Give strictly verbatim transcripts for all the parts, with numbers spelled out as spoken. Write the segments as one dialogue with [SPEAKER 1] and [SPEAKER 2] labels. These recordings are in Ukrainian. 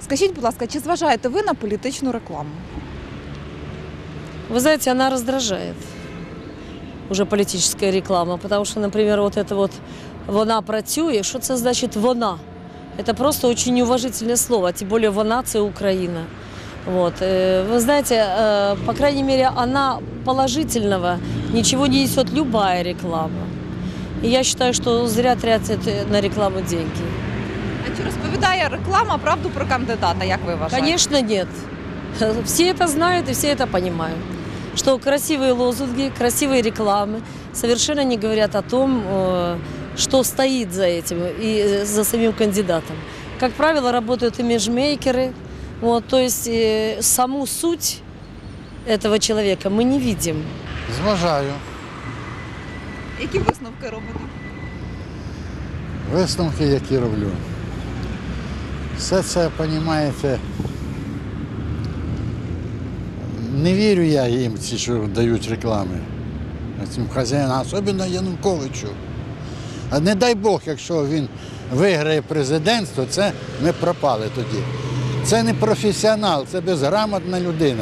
[SPEAKER 1] Скажіть, будь ласка, чи зважаєте ви на політичну рекламу?
[SPEAKER 2] Вы знаете, она раздражает, уже политическая реклама, потому что, например, вот это вот «вона працює», что это значит «вона»? Это просто очень неуважительное слово, тем более «вона» – это Украина. Вот. Вы знаете, по крайней мере, она положительного ничего не несет любая реклама. И я считаю, что зря тратят на рекламу деньги.
[SPEAKER 1] А чи розповідає реклама правду про кандидата, як ви вважаєте?
[SPEAKER 2] Конечно, нет. Все это знают и все это понимают. Что красивые лозунги, красивые рекламы совершенно не говорят о том, что стоит за этим и за самим кандидатом. Как правило, работают имиджмейкеры. Вот, то есть э, саму суть этого человека мы не видим.
[SPEAKER 3] Зважаю.
[SPEAKER 1] Які висновки робите?
[SPEAKER 3] Висновки, які роблю. Все це, розумієте, не вірю я їм, ці, що дають реклами, цим хазяїнам, особливо Януковичу. А не дай Бог, якщо він виграє президентство, це ми пропали тоді. Це не професіонал, це безграмотна людина.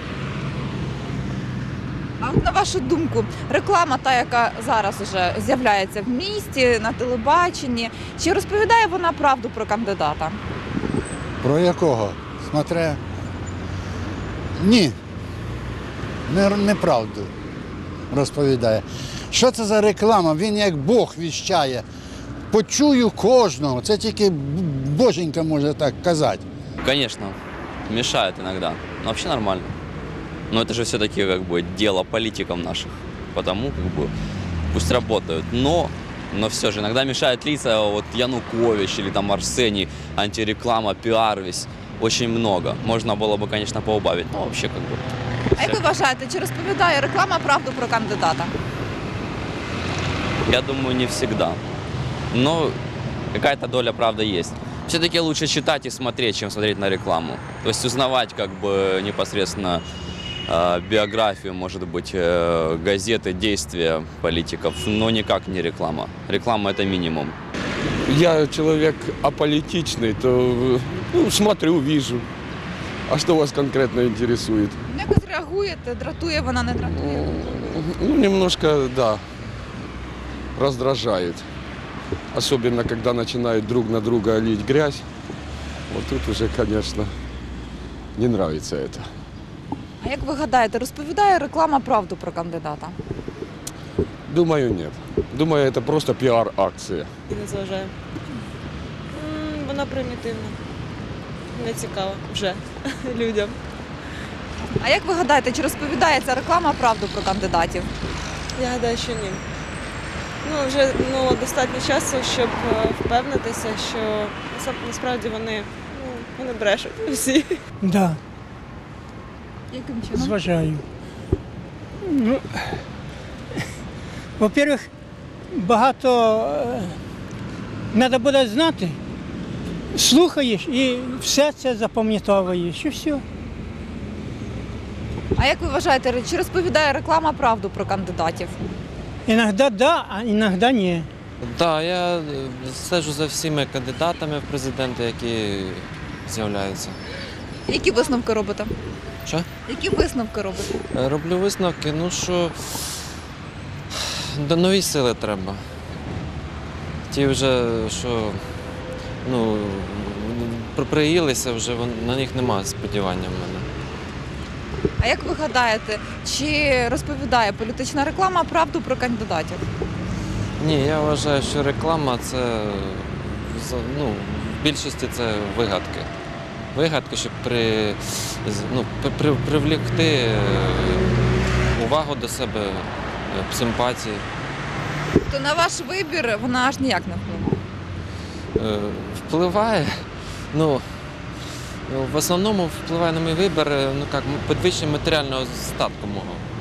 [SPEAKER 1] А от на вашу думку, реклама та, яка зараз вже з'являється в місті, на телебаченні, чи розповідає вона правду про кандидата?
[SPEAKER 3] Про якого? Смотря. Ні. Не, неправду розповідає. Що це за реклама? Він як Бог віщає. Почую кожного. Це тільки боженька може так казати.
[SPEAKER 4] Конечно, мешает иногда, но вообще нормально. Но это же все-таки как бы дело политиков наших, потому как бы пусть работают. Но, но все же иногда мешает лица вот Янукович или там Арсений, антиреклама, пиар весь. Очень много. Можно было бы, конечно, поубавить, но вообще как бы...
[SPEAKER 1] А як ви вважаєте, чи розповідає реклама правду про кандидата?
[SPEAKER 4] Я думаю, не всегда. Но какая-то доля правды есть. Все-таки лучше читать и смотреть, чем смотреть на рекламу. То есть узнавать как бы непосредственно э, биографию, может быть, э, газеты, действия политиков, но никак не реклама. Реклама – это минимум.
[SPEAKER 5] Я человек аполитичный, то ну, смотрю, вижу. А что вас конкретно интересует?
[SPEAKER 1] Якось реагуєте, дратує вона, не дратує?
[SPEAKER 5] Ну, немножко, да, раздражает. Особенно, когда начинают друг на друга лить грязь. Вот тут уже, конечно, не нравится это.
[SPEAKER 1] А як ви гадаєте, розповідає реклама правду про кандидата?
[SPEAKER 5] Думаю, нет. Думаю, это просто пиар-акция.
[SPEAKER 6] Не зважаю. М, Вона примітивна. Не цікава вже людям.
[SPEAKER 1] А як ви гадаєте, чи розповідає ця реклама правду про кандидатів?
[SPEAKER 6] Я гадаю, що ні. Ну, вже ну, достатньо часу, щоб е, впевнитися, що насап- насправді вони, ну, вони брешуть всі.
[SPEAKER 7] Да,
[SPEAKER 1] Яким чином?
[SPEAKER 7] зважаю. Ну, во-первых, багато треба буде знати, слухаєш і все це запам'ятовуєш, і все.
[SPEAKER 1] А як ви вважаєте, чи розповідає реклама правду про кандидатів?
[SPEAKER 7] Іноді да, а іноді ні.
[SPEAKER 8] Так, я стежу за всіми кандидатами в президенти, які з'являються.
[SPEAKER 1] Які висновки робите?
[SPEAKER 8] Що?
[SPEAKER 1] Які висновки робите?
[SPEAKER 8] Роблю висновки, ну що до нові сили треба. Ті вже, що ну, при- приїлися вже, вон- на них немає сподівання в мене.
[SPEAKER 1] А як ви гадаєте, чи розповідає політична реклама правду про кандидатів?
[SPEAKER 8] Ні, я вважаю, що реклама це за- ну, в більшості це вигадки. Вигадки, щоб при, з- ну, при, при, привлекти е, увагу до себе, е, симпатії.
[SPEAKER 1] То на ваш вибір вона аж ніяк не впливає.
[SPEAKER 8] Е, Впливає, ну, ну, в основному впливає на мій вибір, е, ну, як, підвищення матеріального статку мого.